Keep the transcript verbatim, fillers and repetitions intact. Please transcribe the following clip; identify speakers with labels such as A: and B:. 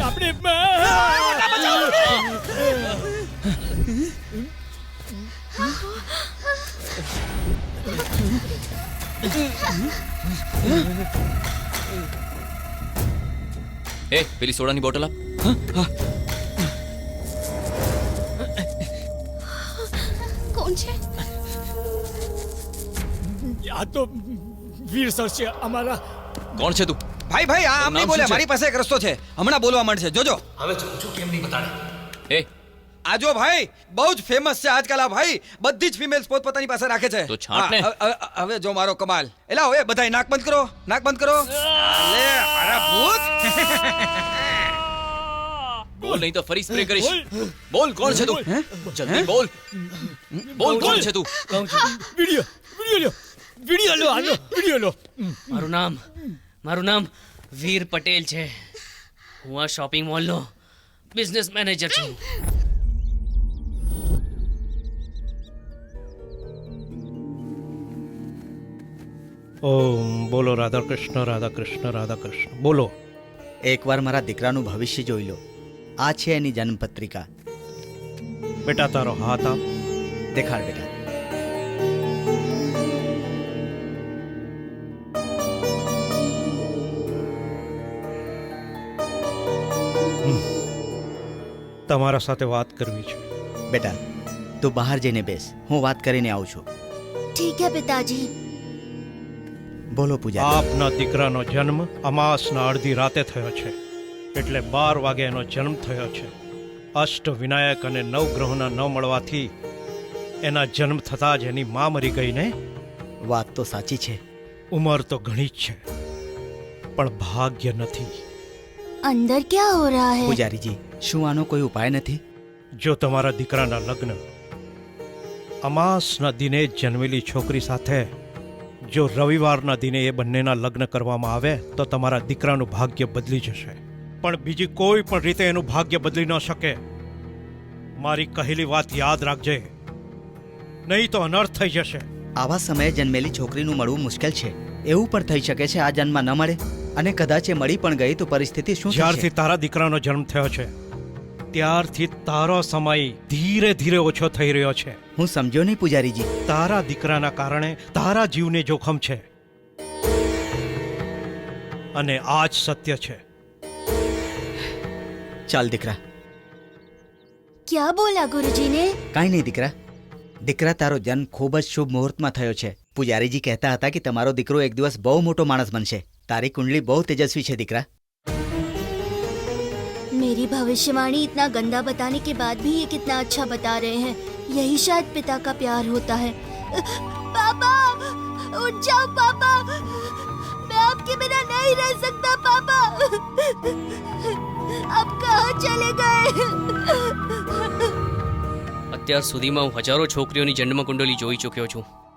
A: આપણે
B: એ પેલી સોડાની બોટલ આપ.
C: કોણ છે?
A: આ તો વીર સર છે અમારા.
B: કોણ છે તું?
D: ભાઈ ભાઈ આ આમ નહીં બોલે, મારી પાસે એક રસ્તો છે, હમણાં બોલવા માંડશે, જોજો.
E: હવે જોઉં છું કેમ નહીં બતાડે.
B: એ
D: આ જો ભાઈ, બહુ જ ફેમસ છે આજકાલ આ ભાઈ, બધી જ ફિમેલ્સ પોતપોતાની પાસે રાખે છે.
B: તો છાંટ ને.
D: હા, હવે- હવે જો મારો કમાલ. એલા હવે બધાય નાક બંધ કરો, નાક બંધ કરો. લે મારા ભૂત.
B: બોલ નહીં તો ફરી સ્પ્રે કરીશ. બોલ કોણ છે તું? જલ્દી બોલ. બોલ કોણ છે તું?
E: કહું છું
A: વિડિયો વિડિયો લો વિડિયો લો આનો વિડિયો લો.
E: મારું નામ મારું નામ વીર પટેલ છે. હું આ શોપિંગ મોલનો બિઝનેસ મેનેજર છું.
F: ઓમ બોલો રાધા કૃષ્ણ રાધા કૃષ્ણ રાધા કૃષ્ણ બોલો.
G: એકવાર મારા દીકરાનું ભવિષ્ય જોઈ લો. આ છે એની જન્મપત્રિકા.
F: બેટા તારો હાથ આપ.
G: દેખાડ બેટા.
F: તમારા સાથે વાત કરવી છે.
G: બેટા તું બહાર જઈને બેસ, હું વાત કરીને આવું છું.
C: ठीक है पिताजी.
G: બોલો પૂજા.
F: આપના દીકરાનો જન્મ અમાસના અડધી રાતે થયો છે, એટલે બાર વાગે એનો જન્મ થયો છે. અષ્ટ વિનાયક અને નવ ગ્રહોના ન મળવાથી એના જન્મ થતાં જ એની મા મરી ગઈ ને.
G: વાત તો સાચી છે.
F: ઉંમર તો ઘણી જ છે, પણ ભાગ્ય નથી.
C: अंदर क्या हो रहा है?
G: પૂજારીજી, શું આનો કોઈ ઉપાય નથી?
F: જો તમારા દીકરાના લગ્ન અમાસના દિને જ જન્મેલી છોકરી સાથે જો રવિવારના દિને એ બંનેના લગ્ન કરવામાં આવે તો તમારા દીકરાનું ભાગ્ય બદલી જશે. પણ બીજી કોઈ પણ રીતે એનું ભાગ્ય બદલી ન શકે. મારી કહેલી વાત યાદ રાખજે, નહીં તો અનર્થ થઈ જશે.
G: આવા સમયે જન્મેલી છોકરીનું મળવું મુશ્કેલ છે. એવું પણ થઈ શકે છે આ જન્મમાં ન મળે, અને કદાચ એ મળી પણ ગઈ તો પરિસ્થિતિ શું
F: જ્યારથી
G: થશે?
F: તારા દીકરાનો જન્મ થયો છે ત્યારથી તારો સમય ધીરે ધીરે ઓછો થઈ રહ્યો છે.
G: હું સમજ્યો નહીં પૂજારીજી.
F: તારા દીકરાના કારણે તારા જીવને જોખમ છે, અને આ જ સત્ય છે.
G: ચાલ દીકરા.
C: क्या बोला गुरुजी ने?
G: કાંઈ નહીં દીકરા. દીકરા, તારો જન્મ ખૂબ જ શુભ મુહૂર્તમાં થયો છે. પૂજારીજી કહેતા હતા કે તમારો દીકરો એક દિવસ બહુ મોટો માણસ બનશે. તારી કુંડલી બહુ તેજસ્વી છે દીકરા.
C: मेरी भविष्यवाणी इतना गंदा बताने के बाद भी ये कितना अच्छा बता रहे हैं. यही शायद पिता का प्यार होता है. पापा, उठ जाओ पापा. मैं आपके बिना नहीं रह सकता पापा. अब कहाँ चले गए?
E: અત્યાર સુધીમાં હું હજારો છોકરીઓની જન્મ કુંડલી જોઈ ચૂક્યો છું.